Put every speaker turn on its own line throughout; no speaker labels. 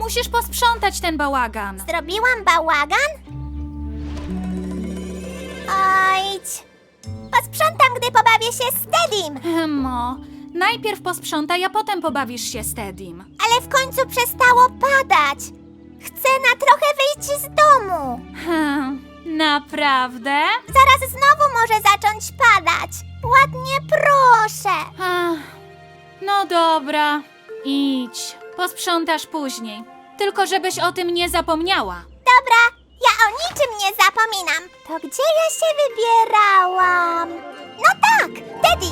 Musisz posprzątać ten bałagan.
Zrobiłam bałagan? Ojdź. Posprzątam, gdy pobawię się z Teddym.
Emmo, najpierw posprzątaj, a potem pobawisz się z Teddym.
Ale w końcu przestało padać. Chcę na trochę wyjść z domu.
Naprawdę?
Zaraz znowu może zacząć padać. Ładnie proszę.
No dobra, idź. Posprzątasz później. Tylko żebyś o tym nie zapomniała.
Dobra, ja o niczym nie zapominam. To gdzie ja się wybierałam? No tak, Teddy.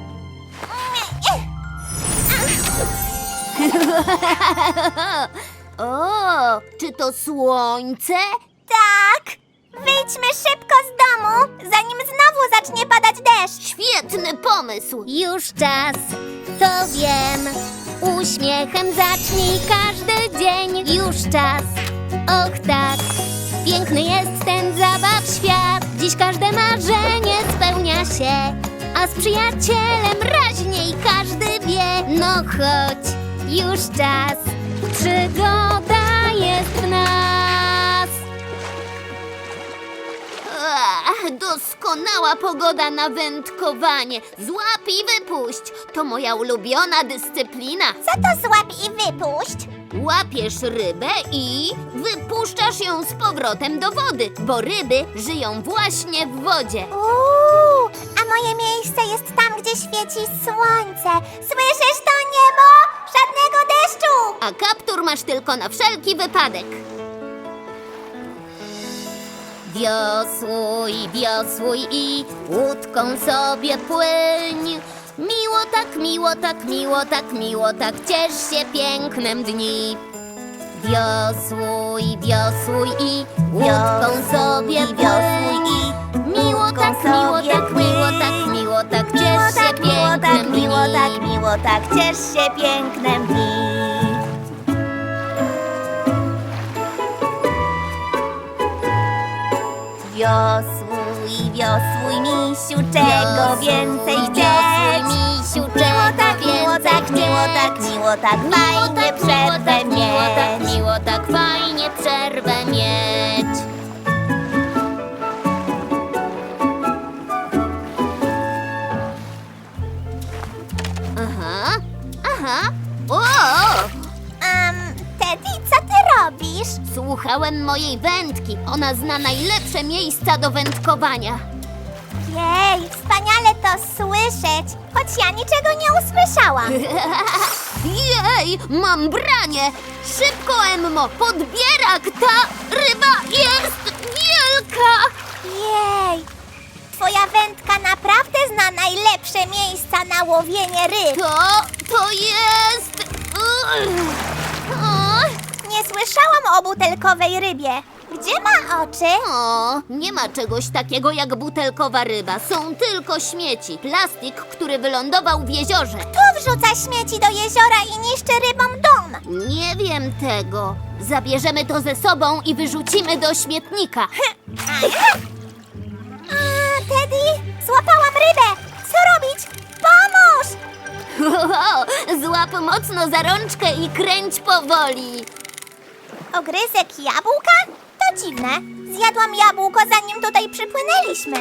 O, czy to słońce?
Tak. Wyjdźmy szybko z domu, zanim znowu zacznie padać deszcz.
Świetny pomysł! Już czas, to wiem. Uśmiechem zacznij każdy dzień. Już czas, och tak. Piękny jest ten zabaw świat. Dziś każde marzenie spełnia się. A z przyjacielem raźniej każdy wie. No chodź, już czas. Przygoda jest w nas. Doskonała pogoda na wędkowanie. Złap i wypuść. To moja ulubiona dyscyplina.
Co to złap i wypuść?
Łapiesz rybę i wypuszczasz ją z powrotem do wody, bo ryby żyją właśnie w wodzie.
A moje miejsce jest tam, gdzie świeci słońce. Słyszysz to, niebo? Żadnego deszczu!
A kaptur masz tylko na wszelki wypadek. Wiosłuj, wiosłuj i łódką sobie płyń. Miło tak, miło tak, miło tak, miło tak, ciesz się pięknem dni. Wiosłuj, wiosłuj i łódką sobie płyń. Miło tak, miło tak, miło tak, miło tak, ciesz się pięknem dni.
miło tak, ciesz się pięknem dni. Wiosłuj, wiosłuj, misiu, czego więcej chcieć?
Misiu,
Miło tak, miło tak, miło tak, miło tak, fajnie przerwę
miło tak,
mieć.
miło tak, fajnie przerwę mieć. Aha, aha, o!
Teddy, co ty robisz?
Słuchałem mojej wędki. Ona zna najlepsze miejsca do wędkowania.
Jej, wspaniale to słyszeć, choć ja niczego nie usłyszałam.
Jej, mam branie! Szybko, Emmo, podbierak! Ta ryba jest wielka!
Jej, twoja wędka naprawdę zna najlepsze miejsca na łowienie ryb.
To jest...
Nie słyszałam o butelkowej rybie. Gdzie ma oczy?
O, nie ma czegoś takiego jak butelkowa ryba. Są tylko śmieci. Plastik, który wylądował w jeziorze.
Kto wrzuca śmieci do jeziora i niszczy rybom dom?
Nie wiem tego. Zabierzemy to ze sobą i wyrzucimy do śmietnika.
Teddy, złapałam rybę. Co robić? Pomóż!
Złap mocno za rączkę i kręć powoli.
Ogryzek jabłka? To dziwne. Zjadłam jabłko, zanim tutaj przypłynęliśmy.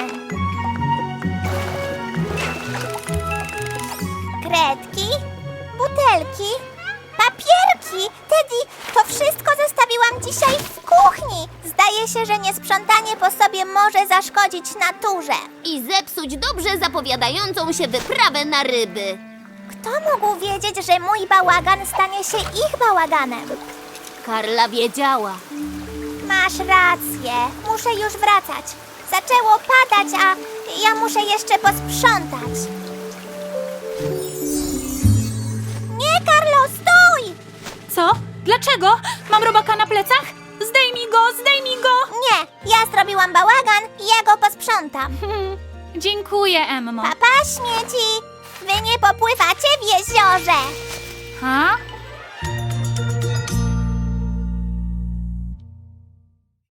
Kredki, butelki, papierki. Teddy, to wszystko zostawiłam dzisiaj w kuchni. Zdaje się, że niesprzątanie po sobie może zaszkodzić naturze.
I zepsuć dobrze zapowiadającą się wyprawę na ryby.
Kto mógł wiedzieć, że mój bałagan stanie się ich bałaganem?
Karla wiedziała.
Masz rację. Muszę już wracać. Zaczęło padać, a ja muszę jeszcze posprzątać. Nie, Karlo, stój!
Co? Dlaczego? Mam robaka na plecach? Zdejmij go, zdejmij go!
Nie, ja zrobiłam bałagan i ja go posprzątam.
Dziękuję, Emmo.
Papa, śmieci! Wy nie popływacie w jeziorze.
Ha?